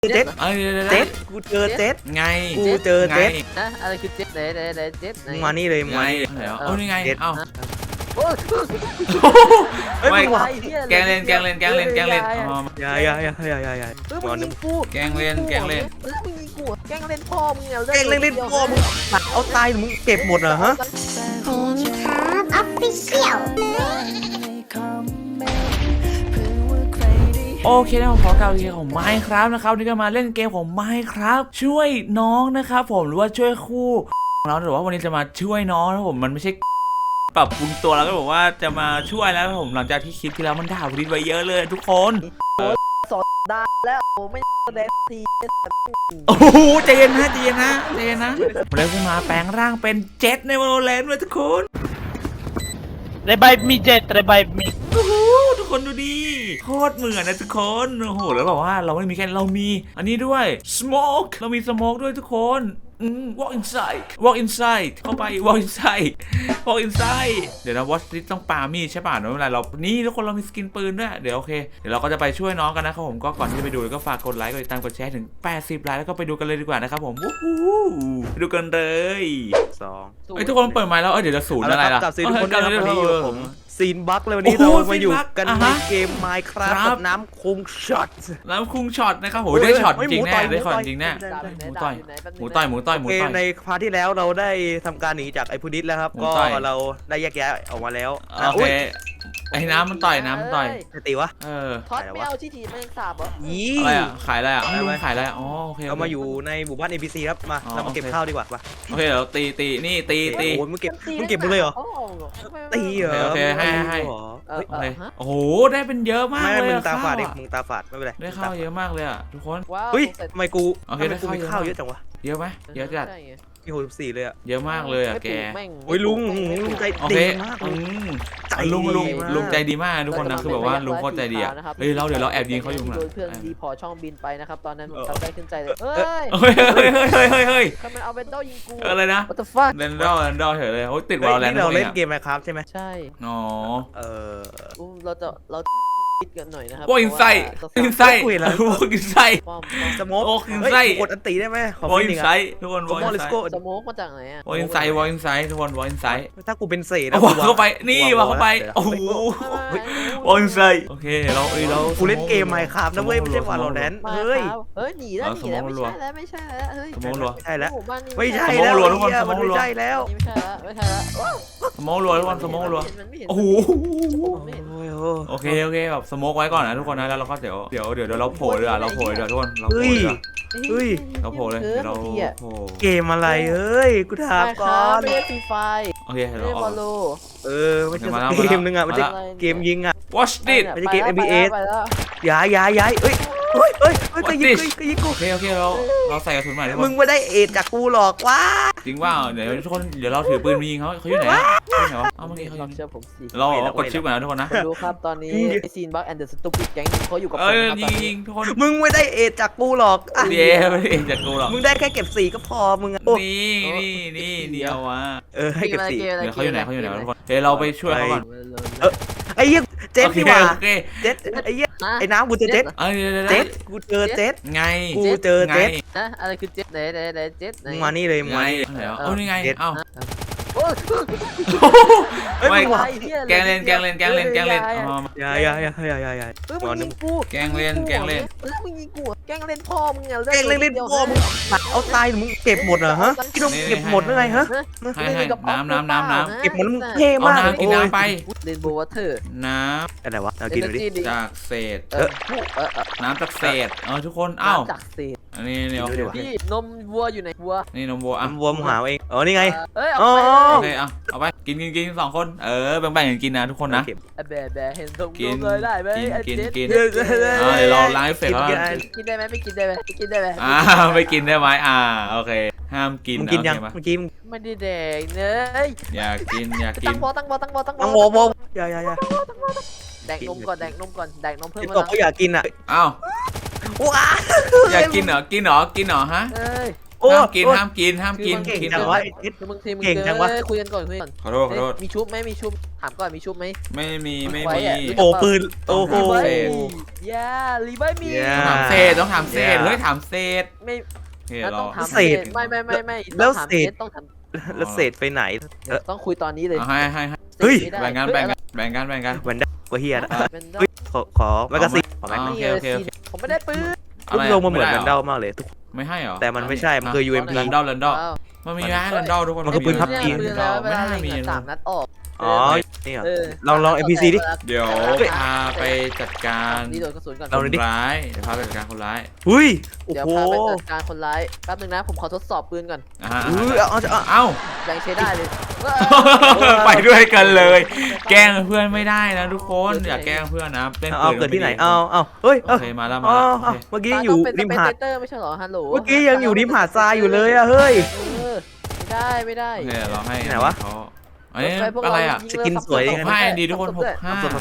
เจ็ดเจ็ดกูเจอเจ็ดไงกูเจอเจ็ดนะอะไรคือเจ็ดไหนเจ็ดไหนมึงมานี่เลยมึงไงมานี่เหรอเอานี่ไงเอ้าโอ้ยเฮ้ยไม่มึงวะแกงเล่นอ๋ออย่ามึงยิงกูแกงเล่นมึงยิงกูแกงเล่นพ่อมึงเนี่ยแกล้งเล่นพ่อมึงเอาตายมึงเก็บหมดเหรอฮะ Homecom Official โอเคนะผมขอกล่าวเกมของ Minecraft นะครับนี่ก็มาเล่นเกมของ Minecraft ช่วยน้องนะครับผมหรือว่าช่วยคู่เราหรือว่าวันนี้จะมาช่วยน้องนะผมมันไม่ใช่ปรับปรุงตัวแล้วก็บอกว่าจะมาช่วยแล้วผมหลังจากที่คลิปที่แล้วมันด่าพุดิษไว้เยอะเลยทุกคนได้แล้วโอ้ไม่แดงทีโอ้โหใจเย็นนะผมเลยขึ้นมาแปลงร่างเป็นเจ็ตในวอลเลนเลยทุกคน Revive me Jet Revive me โอ้โหทุกคนดูดิโคตรเหมือนนะทุกคนโอ้โหแล้วบอกว่าเราไม่มีแค่เรามีอันนี้ด้วย smoke เรามี smoke ด้วยทุกคนwalk inside เข้าไป walk inside เดี๋ยวนะ watch this ต้องปามีดใช่ป่ะเวลาเรานี่ทุกคนเรามีสกินปืนด้วยเดี๋ยวโอเคเดี๋ยวเราก็จะไปช่วยน้องกันนะครับผมก็ก่อนที่จะไปดูก็ฝากกดไลค์กดติดตามกดแชร์ถึง80ไลค์แล้วก็ไปดูกันเลยดีกว่านะครับผมไปดูกันเลย 2 ทุกคนเปิดไมค์แล้วเดี๋ยวจะศูนย์อะไรล่ะกับซีทุกคนนะครับวันนี้อยู่ผมซีนบัคเลยวันนี้โอ้เราโหมาอยู่ซีนบัคกันอ่ะในฮะเกม Minecraft ครับกับน้ำคงช็อตแล้วคุงช็อตนะครับโหเฮ้ยได้ช็อตเฮ้ยจริงหมูแน่ต่อยได้ช็อตหมูต่อยจริงแน่ หมูต่อยโอเคในพาร์ทที่แล้วเราได้ทำการหนีจากไอ้พุดิษแล้วครับหมูก็ต่อยเราได้แยกย้ายออกมาแล้วโอเคไอ้น้ำมันต่อยจะตีวะทอดไม่เอาที่ทีแม่งสาบเหรอยี่อะไรอ่ะขายอะไรอ่ะไม่รู้ขายอะไรอ๋อโอเคเรามาอยู่ในหมู่บ้าน NPC ครับมาอ๋อเรามาเก็บโอเคข้าวดีกว่าโอเคเดี๋ยวตีนี่ตีโอ้ยมึงเก็บหมดเลยเหรอตีเหรอโอเคให้เฮ้ยโอเคโอ้โหได้เป็นเยอะมากไม่เลยมึงอะตาฝาดดิข้าวมึงตาฝาดไม่เป็นไรได้ข้าวเยอะมากเลยอ่ะทุกคนว้าวเฮ้ยทำไมกูโอเคทำไมกูได้มีข้าข้าว วเยเยอะอะจังวะเยอะไหมเยอะจัดมี64เลยอ่ะเยอะมากเลยอ่ะแกโอ้ยลุงใจโอเคดีมากใจดีลุงใจดีมากทุกคนนะคือแบบว่าลุงโคตรใจดีอ่ะเฮ้ยเดี๋ยวเราแอบยิงเขาอยู่ข้างหลังโดนเพื่อนดีพอช่องบินไปนะครับตอนนั้นผมจำได้ขึ้นใจเลยเฮ้ยเฮ้ยทำไมเอาเวนโดยิงกูอะไรนะ What the fuck เรนดอลเฉยเลยโอ้ยติดเฮ้ยวอลแลนด์นี่เราเล่นเกเกมม Minecraft ใช่ไหมใช่อ๋อเออเราคิดกันหน่อยนะครับวอลอินไซด์อินไซด์วอลอินไซด์ป้อมสโมกโอ้คือไส้กดอันตีได้ไหมขอวอลพี่อิหนนึ่งไซอ่ะด์ทุกคนวอล Come อิ on น let's ไซ go ด์สโมกมาจากไหนอ่ะวอลอินไซด์ทุกคนวอลอินไซด์ถ้ากูเป็นเศษเอานะวางเข้าไปนี่วางเข้าไปโอ้โหวอลอินไซด์โอเคเรากูเล่นเกม Minecraft นะเว้ยไม่ใช่ Valorant มาเฮ้ยเฮ้ยหนีแล้วไม่ใช่แล้วไม่ใช่แล้วเฮ้ยสมองรัวใช่แล้วหมู่บ้านนี้ไม่ใช่สโมแล้วกรัวทุกคนเหี้ยสโมมันกรัวไม่ใช่แล้วไม่ใช่แล้วสมองรัวทุกคนสมองรัวโอ้โหโอเคแบบสโมกไว้ก่อนนะทุกคนนะแล้วเราก็เดี๋ยวเราโผล่เลยเราโผล่เลยทุกคนเราโผล่เลยเฮ้ยเราโผล่เลยเดี๋ยวเราโผล่เกมอะไรเอ้ยกูถามก่อนไม่ได้ฟรีไฟโอเคไม่เราได้อวออก ลโลไม่ใช่เกมนึงอ่ะมันจะเกมยิงอ่ะ watch this ไม่ใช่เกม NBA ไปแล้วย้ายเอ้ยก็ยิงกูโอเคเราใส่กระสุนใหม่ทุกคมึนงไม่ได้เอ็ดจากกูหรอกว้าจริงว่าเดี๋ยวทุกคนเดี๋ยวเราถือปืนยิงเขาอยู่ไหนวะเมื่อกี้เขาลองเชื่อผมสิเรากดชิปก่อนนะทุกคนนะดูครับตอนนี้ไอซีนบัคแอนเดอร์สตูปิดแก๊งเขาอยู่กับผมยิงทุกคนมึงไม่ได้เอ็ดจากกูหรอกอ่ะเดี๋ยวไม่เองจากกูหรอกมึงได้แค่เก็บสีก็พอมึงอ่ะนี่เดียววะให้เก็บสีเดี๋ยวเขาอยู่ไหนทุกคนเดี๋ยวเราไปช่วยเขาก่อนไอ้เหี้ยเจ็ดดีกว่าโอเคเจ็ดไอ้เหี้ยไอ้น้ำกูเจอเจ็ดเจ็ดกูเจอเจ็ดไงกูเจอเจ็ดนะอะไรคือเจ็ดไหนเจ็ดไหนมึงมานี่เลยมึงไงมานี่เอานี่ไงเอ้าโอ้ยเฮ้ยมึงวะแกงเล่นอย่ามึงยิงกูแกงเล่นมึงยิงกูแกงเล่นพ่อมึงเนี่ยแกล้งเล่นพ่อมึงเอาตายมึงเก็บหมดเหรอฮะพี่ต้องเก็บหมดหรือไงฮะให้น้ำเก็บหมดแล้วมึงเท่เอามากน้ำกินน้ำไปเรนโบว์วอเตอร์น้อะไรวะเอากินดูดิำจากเศษ น้ำจากเศษทุกคนจากเศษอันนี้เนี่ยพี่นมวัวอยู่ไหนวัวนี่นมวัวอันวัวมึงหาเองนี่ไงเอ้ยอ๋อโอเคเอาไปกิน2คนแบ่งกันกินนะทุกคนนะแบเห็นตรงเลยได้ไหมกินเดี๋เดี๋ยวเราล้างเสร็จแล้วกินได้ไหมไม่กินได้ไหมกินได้ไหมไม่กินได้ไหมโอเคห้ามกินมึงกินยังเมื่อกี้ไม่ได้แดงเนยอยากกินตั้งบอตั้งต้องวออย่าแดกนมก่อนแดกนมเพิ่มตกก็อยากกินอ่ะอ้าวว้าอยากกินเหรอฮะเอ้ยโอ้ห้ามกินโอ้ห้ามกินห้ามกินเก่งกินจังแต่วะว่าคือมึงทีมมึงเก่งจังวะคุยกันก่อนคุยกันขอโทษขอโทษมีชุบไหมมีชุบถามก่อนมีชุบไหมไม่มีไม่ไว้มีอะโอ้ปืนโอ้โหโอ้รีไวย่ารีไวมี Yeah ต้องถามเศษต้องถามเศษเฮ้ยถามเศษไม่โอเคแล้วเราต้องถามเศษไม่แล้วต้องถามเศษต้องถามแล้วเศษไปไหนต้องคุยตอนนี้เลยเอาให้เฮ้ยไม่ได้แบ่งกันแบ่งกันแบ่งกันแบ่งกันแวนด้ากว่าเฮียนะเป็นเฮ้ยขอแมกกาซีนขอแม็กโอนี่เคเอโออเคโอเคผมไม่ได้ปืนรูปทรงมันเหมือนแวนไได้ด้าหรมากเลยทุกไม่ให้เหรอแต่มันไม่ใช่มันคือ UMP แรนดอลแรนดอลอ้าวมันมีนะแรนดอลทุกคนมันคือปืนพับเนี่ยจีนปืนแล้วเวไม่ลาน่าเล็มีงอะ3 นัดออกอ๋อนี่เหรอเออลอง NPC ดิเดี๋ยวพาไปจัดการนี่โดนกระสุนก่อนเราคดูนดิร้ายเดี๋ยวพาไปจัดการคนร้ายอุ้ยโอ้เดี๋ยวโหพาไปจัดการคนร้ายแป๊บนึงนะผมขอทดสอบปืนก่อนนะฮะอุ้ยเอาเอ้ายังใช้ได้เลยไปด้วยกันเลย แกล้งเพื่อนไม่ได้นะทุกคนอย่าแกล้งเพื่อนนะเล่นเอาปืนเกิดที่ไหนม่เอาเฮ้ยโอเอาเคมาแล้วอ๋มาอแล้วโอเคเมื่อกี้อยู่ริมหาดเตอร์ไม่ใช่เหรอฮัลโหลเมื่อกี้ยังอยู่ริมหาดทรายอยู่เลยอะเฮ้ยไม่ได้โอเคเราให้ไหนวะเขาอันนี้อะไรอ่ะสกินสวยหดีกนะห้า ND ทุกคนหกห้าเอาตัว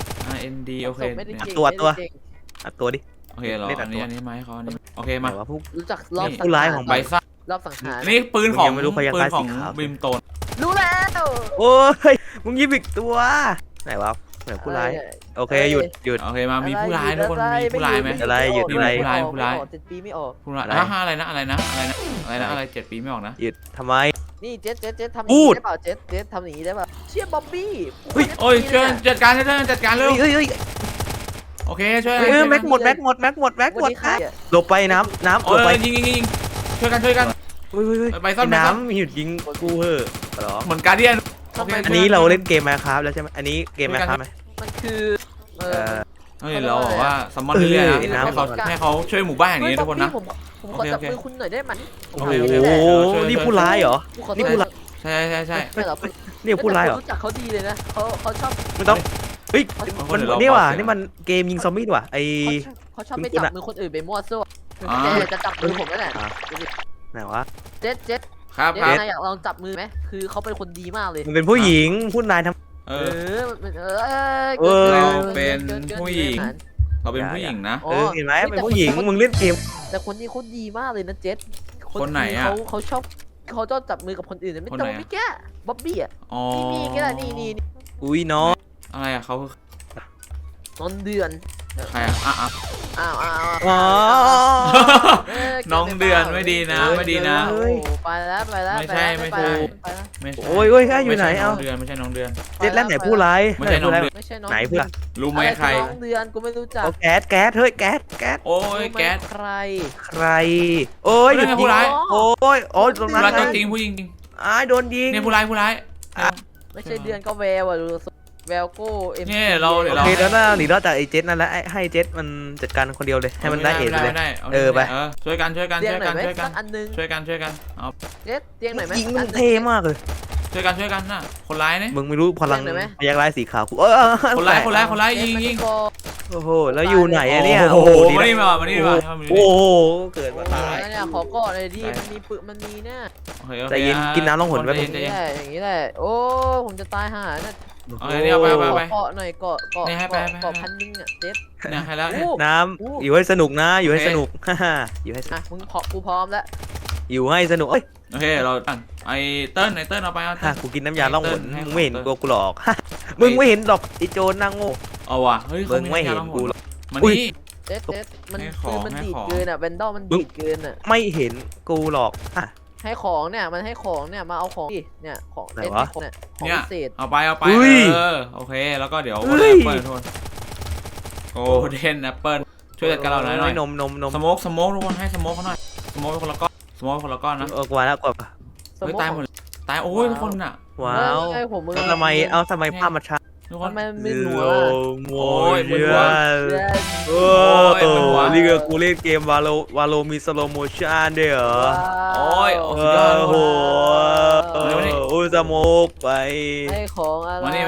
ND โอเคไม่ได้เนี่ยเก่งตัวไม่ได้เก่งอัดตัวดิโอเคเหรอเล่นอัอัดนตัวนี้อันนี้ไหมาให้เขาอันนี้โอเคมาไหนวะพวกรู้จักรอบผู้ร้ายของใบซ่ารอบสังหารนี่ปืนของยังไม่รู้พยาปืคารนของสีขาวบิมโตนรู้แล้วโอ้ยมึงยิบอีกตัวไหนวะเหมือนผู้ร้ายโอเคหยุดโอเคมามีผู้ร้ายทุกคนมีผู้ร้ายไหมอะไรอยู่ที่ไหนผู้ร้ายผู้ร้าย 7 ปีไม่ออกผู้ร้ายอะไรอะไรนะอะไรนะอะไรนะอะไรนะอะไร7 ปีไม่ออกนะหยุดทำไมนี่เจ๊ทำอย่างพูนี้ดได้เปล่าเจ๊ทำอย่างนี้ได้เปล่าเชี่ยบ๊อบบี้เฮ้ยโอ้ยช่วยจัดการช่วยจัดการเร็วเฮ้ยโอเคช่วยแม็กหมดหลบไปน้ำหลโอ้บไปยยิงช่วยกันเฮ้ยไปซ่อนน้ำหยุดยิงกูเหอะเหรอเหมือนการเดียนอันนี้เราเล่นเกมมาครับแล้วใช่ไหมอันนี้เกมมาครับไหมมันคือเอเอออเฮ้ยเราบอกว่าซัมมอนเรื่อยๆเออนะให้เขาช่วยหมู่บ้านอย่างนี้ทุกคนนะผมขอจับมือคุณหน่อยได้ไหมโอ้โหนี่ผู้ร้ายเหรอ นี่ผู้ร้ายใช่ไม่หรอนี่ผู้ร้ายเหรอรู้จักเขาดีเลยนะเขาชอบไม่ต้องเฮ้ยมันนี่ว่ะนี่มันเกมยิงซอมบี้ว่ะไอเขาชอบไปจับมือคนอื่นไปมั่วซั่วจะจับมือผมนั่นแหละไหนวะเจ๊ครับเจ๊นายอยากลองจับมือไหมคือเขาเป็นคนดีมากเลยมันเป็นผู้หญิงผู้นายทำเอเราเราเป็นผู้หญิงนะเห็นไหมเป็นผู้หญิงมึงเล่นเกมแต่คนนี้เขาดีมากเลยนะเจ๊คนไหนอะเขาชอบเขาชอบจับมือกับคนอื่นไม่ต้องไม่แก้บ๊อบบี้อ่ะอ๋อนี่ก็ได้นี่อุ้ยน้องอะไรอะเขาต้นเดือนใครอะอ่ะอ้าวอ๋อน้องเดือนไม่ดีนะไม่ดีนะไปแล้วไม่ใช่โอ้ยโอ้ยแค่อยู่ไหนเอ้าเดือนไม่ใช่น้องเดือนเจ็ดแล้วไหนผู้ร้ายไม่ใช่น้องเดือนไม่ใช่น้องไหนผู้ร้ายรู้ไหมใครน้องเดือนกูไม่รู้จักโอ้แก๊สเฮ้ยแก๊สโอ้ยแก๊สใครใครโอ้ยหยุดยิงโอ้ยโอ้ยตรงผู้นั้นร้ายตัวจริงผู้หญิงจริงอ้ายโดนยิงเนี่ยผู้ร้ายไม่ใช่เดือนก็แววอ่ะดูแววโก้เอ็มเนี่ยเราเดี๋ยวโอเคแล้วนะหนีรอดจากไอ้เจ็ดนั่นแหละให้เจ็ดมันจัดการคนเดียวเลยให้มันได้เอ็ดเลย ไปช่วยกันเตียงหน่อยไหมสักอันนึงช่วยกันเอาเจ๊เตียงหน่อยไหมยิงมันเท่มากเลยช่วยกันน่ะคนร้ายเนี่ยมึงไม่รู้พลังพยักร้ายสีขาวกูคนร้ายยิงโอ้โหแล้วอยู่ไหนอะเนี่ยโอ้โหมานี่มาโอ้โหเกิดมาตายเนี่ยขอกอดเลยดิมันมีปืนมันมีเนี่ยใจเย็นกินน้ำล่องหนแป๊บอย่างนี้แหละอย่างนี้แหละโอ้ผมจะตายห่าน่ะเอาเลยเนี่ยไปเกาะหน่อยเกาะพันนึงอ่ะเจ๊เนี่ยให้แล้วน้ำอยู่ให้สนุกนะอยู่ให้สนุกอยู่ให้อ่ะมึงกูพร้อมแล้วอยู่ให้สนุกเอ้ยโอเคเราไอเติ้ลเอาไปเอากูกินน้ำยาล่องหนมึงไม่เห็นกูหรอกมึงไม่เห็นดอกไอโจรนางโง่เอาว่ะเฮ้ยมึงไม่เห็นกูหรอกมันนี่เจ๊มันคือมันดีดเกินอ่ะแวนดอลมันดีดเกินอ่ะไม่เห็นกูหรอกให้ของเนี่ยมันให้ของเนี่ยมาเอาของดิเนี่ยของเจ๊เนี่ยของพิเศษเอาไปโอเคแล้วก็เดี๋ยวเปิดทุนโอ้เดนแอปเปิลช่วยจัดการเราหน่อยนมสโมกทุกคนให้สโมกเขาหน่อยสโมกคนละก้อนนะกว่าแล้วกว่าตายหมดตายโอ้ยทุกคนอ่ะว้าวผมมือทำไมภาพมาช้าทุกคมัน นมึนโหัวอ้ยโอ้นี่ก็กูเล่นเกมวาโลมีสโลโมชั่นด้วยเหรอโอ้ยโอ้โหโอ้สโมกไปให้ของอะไรมัน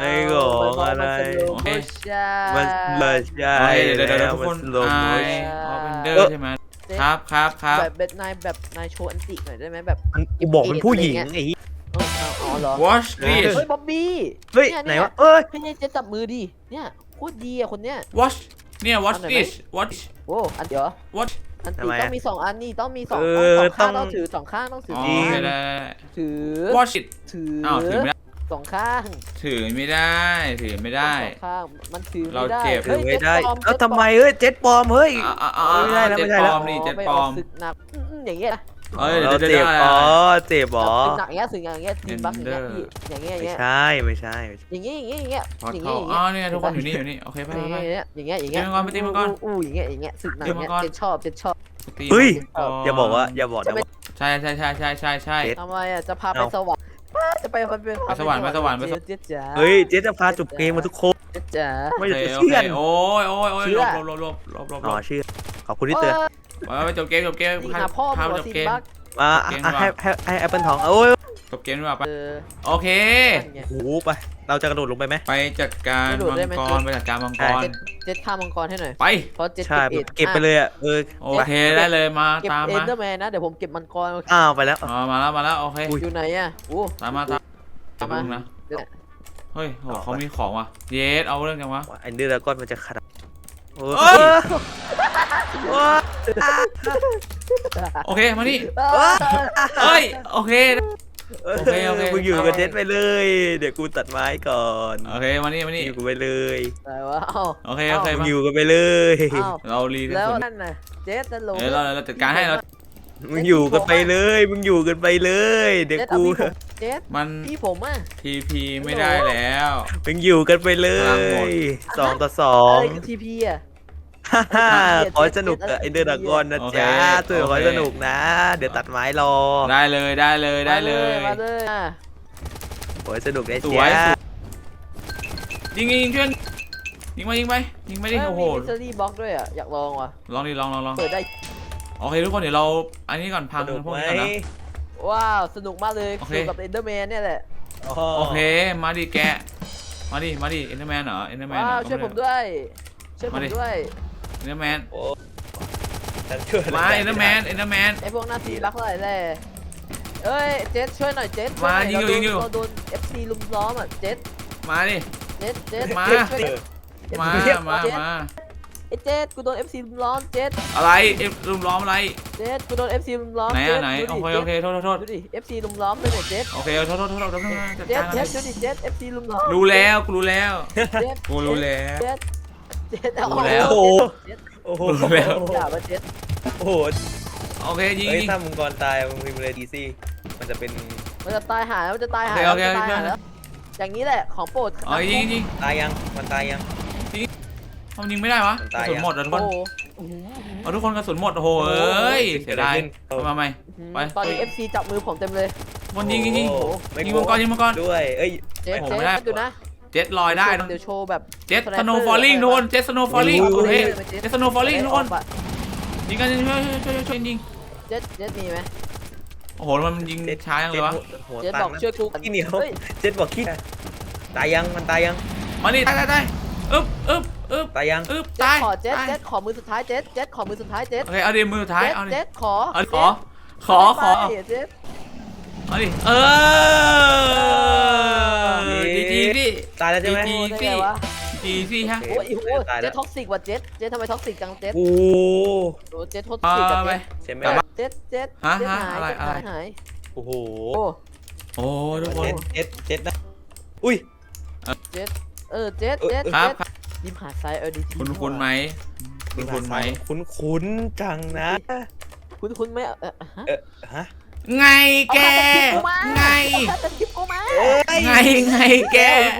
มันเลยใช่เดี๋ยวทุกคนเอาเป็นเดอร์ใช่ไหมครับแบบนายโชว์อันติหน่อยได้ไหมแบบมันกูบอกเป็นผู้หญิงไอ้อ๋อเหรอ watch this เฮ้ยบ๊อบบี้เฮ้ยไหนวะเอ้ยพี่เนี่ยจะจับมือดิเนี่ยโคตรดีอ่ะคนเนี้ย watch เนี่ย watch this watch โอ้อันเดี๋ยว watch อันทำตีไมต้ออะงมี2 อันนี่ต้องมี2 เอต้องอ 2 ข้างต้ต้ออง งถือ2 ข้างต้องถืออ๋ออโอเคได้ถือ watch it ถืออ้าวถือไม่ได้ 2 ข้างถือไม่ได้ถือไม่ได้สองข้างมันถือเราไม่ได้เจ็บถือไม่ได้เฮ้ยแล้วทำไมเฮ้ยเจ็ตปลอมเฮ้ย ไม่ได้แล้วเจ็ไม่ดได้ปแล้ลวอมนี่เจ็ดไปปลอออกมศึกหนักอย่างเงี้ยนะเอ้ยเราเดี๋ยวเจ็บได้อ๋อเจ็บอ๋อศึกหนักอย่างเงี้ยศึกหนักอย่างเงี้ยทีมบัคอย่างเงี้ยพี่อย่างเงี้ยอย่างไม่เงี้ยใช่ไม่ใช่อย่างเงี้ยอย่างเงี้ยอย่างเงี้ยพออย่างเข้าเงี้ยอย่างเงี้ยอ๋อเนี่ยทุกคนอยู่นี่โอเคไปอย่างไปเงี้ยอย่างเงี้ยอย่างเงี้ยตีมังกรไปตีมังกรอู้อย่างเงี้ยอย่างเงี้ยศึกหนักอย่างเงี้ยตีมังกรเจ็ดชอบเจ็ดชอบตีเฮ้ยก่นอย่าบอกนะว่าใช่ใช่ใช่ใช่ใช่ใช่เจ็ดทำไมอ่ะจะพาไปเอาสวรรค์จะไปพาไปสวรรค์ไปสวรรค์ไปสวรรค์เจ๊จ๋าเฮ้ยเจ๊จะพาจบเกมมาทุกคนเจ๊จ๋าไม่โอจะเคโอเชื่เคอโอ้ยโอ้ยโอ้ยเชื่ลอบลบลบลบลบลบอ๋อเชื่อขอบคุณที่เตือนไปจบเกมจบเกมนี่หาพ่อพามาไปจบสิเกมบักมาให้แอปเปิลทองโอ้ยจบเกมดีกว่าไปเออโอเคนั่นไงโอ้โหไปเราจะกระโดดลงไปไหมไปจัดการไม่โดดมัได้งไหมกรไปจัดการมังกรเจ็ดฆ่ามังกรให้หน่อยไปเพราะเจ็ดใช่เก็บเก็บไปเลยอ่ะโอเคได้เลยมาเก็บตามเอ็มานเดอร์แมนนะเดี๋ยวผมเก็บมังกรอ้าวไปแล้วมาแล้วโอเคอยู่ไหนอ่ะโอ้ตามมาตามมานะเฮ้ยโหเขามีของว่ะเยสเอาเรื่องจังวะไอ้เนื้อก้อนมันจะขนาดโอ้เอ้ยยโอเคมานี่เอ้ยโอเค โอเคโอเคมึงอยู่กับเจ็ตไปเลย เดี๋ยวกูตัดไม้ก่อนโอเคมานี่อยู่กูไปเลยแต่ว่าเอ้าโอเคโอเคมึงมาอยู่กันไปเลยเอ้าเรารีแล้วส่วนนั่นน่ะเจ็ดนั่นโหลเดี๋ยวเราจัดการให้เรามึงอยู่กันไปเลย มึงอยู่กันไปเลย เดี๋ยวเจ็ดเอากูพี่ผมเจ็ดมันพี่ผมอ่ะทีไม่ได้แล้วมึงอยู่กันไปเลพลังหมดย2 ต่ออะไร 2 คือทีพีอ่ะขอให้สนุกกับไอเดอร์ดากอนนะจ๊ะตัวขอให้สนุกนะ เดี๋ยวตัดไม้รอได้เลยได้เลยได้เลยมาเลยอ่ะขอให้สนุกได้สวยจ๊ะยิงช่วยยิงไปยิงไปดิโอ้โหมีมิสซิลี่บ็อกด้วยอ่ะอยากลองว่ะลองดิลองเปิดได้โอเคทุกคนเดี๋ยวเราอันนี้ก่อนพังสนุกพวกไหมนี้ก่อนนะว้าวสนุกมากเลยโอเคสนุกกับเอ็นเดอร์แมนเนี่ยแหละโอเคมาดิแกมาดิเอ็นเดอร์แมนเหรอเอ็นเดอร์แมนว้าวช่วยผมด้วยช่วยผมด้วยเอ็นเดอร์แมนโอ้ฉันช่วยมาเอ็นเดอร์แมนไอพวกหน้าที่รักเท่าไหร่แหละเอ้ยเจ็ดช่วยหน่อยเจ็ดมายิงอยู่เราโดน FC ลุมล้อมอ่ะเจ็ดมาดิเจ็ดมาช่วยมาเจ็ด ไอเจ็ดกูโดน FC ลุมล้อมเจ็ดอะไรรุมล้อมอะไรเจ็ดกูโดน FC ลุมล้อมไหนเจ็ดไหนดูโอดิเคโทษดูดิ FC ลุมล้อมเลยเนี่ยเจ็ดโอเคโทษจัดเจ็กาดรเจ็ดดูดิเจ็ด FC ลุมล้อมรู้แล้วกูรู้แล้วเจ็ดกูรู้แล้วเจ็ดเจ็ดรู้แล้วโอ้โหเจ็ดโอ้โหรู้แล้วด่ามาเจ็ดโอ้โหโอเคยิงเฮ้ยถ้ามึงก่อนตายมึงพิมพ์เลยดีซี่มันจะเป็นมันจะตายหาแล้วมันจะตายหาโอเคแล้วมันจะตายหาแล้วอย่างนี้แหละของโปรดอ๋อยิงตายยังมันตายยังทำยิงไม่ได้วะกตายระสุนหมดทุกคโอ้นโหเอาทุกคนกระสุนหมดโอ้โหเอ้ยเสียดายมาใหม่ ไปตอนนี้ FC จับมือผมเต็มเลยคนยิงไม่ยิงมังกรด้วยเอ้ยเจ๊โอ้โหเจ๊ไม่ได้ดูนะเจ็ตลอยได้เดี๋ยวโชว์แบบเจ็ตสโนว์ฟอลลิ่งทุกคนเจ็ตสโนว์ฟอลลิ่งโอเคเจ็ตสโนว์ฟอลลิ่งทุกคนยิงกันช่วยยิงเจ๊มีไหมโอ้โหมันยิงช้าจังเลยวะหัวเจ๊ตับอกงช่วยกูขี้เหนียวฮ้เจ็ดบอกขี้ตายยังมันตายยังมาดิตายอึ๊บตายยังเจ๊ตายขอเจ๊ขอมือสุดท้ายเจ๊ขอมือสุดท้ายเจ๊โอเคเอาดิมือท้ายเอาดิเจ๊ขอเอาดิขอเจ๊เอาดิดีสิตายแล้วใช่ไหมดีได้ไงวะดีสิฮะโอ้ยเจ๊ท็อกซิกว่ะเจ๊ทำไมท็อกซิกจังเจ๊โอ้โอ้เจ๊ท็อกซิกกับไปเจ๊ใช่ไหมเจ๊ฮะหายอะไรหายโอ้โหโอ้โอ้ทุกคนเจ็ดนะอุ้ยเจ๊ยิ้มหาซ้ายดีคุณไหมคุณไหมคุ้นจังนะคุณไม่ฮะไงแกไงตัดคลิปกูมาไงแก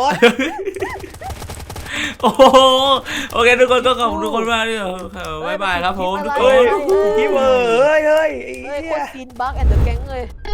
โอ้โหโอเคทุกคนก็ขอบคุณทุกคนมากด้วยบ๊ายบายครับผมทุกคนพี่เวอร์เฮ้ยเฮ้ยคนซีนบักแอนด์เดอะแก๊งเลย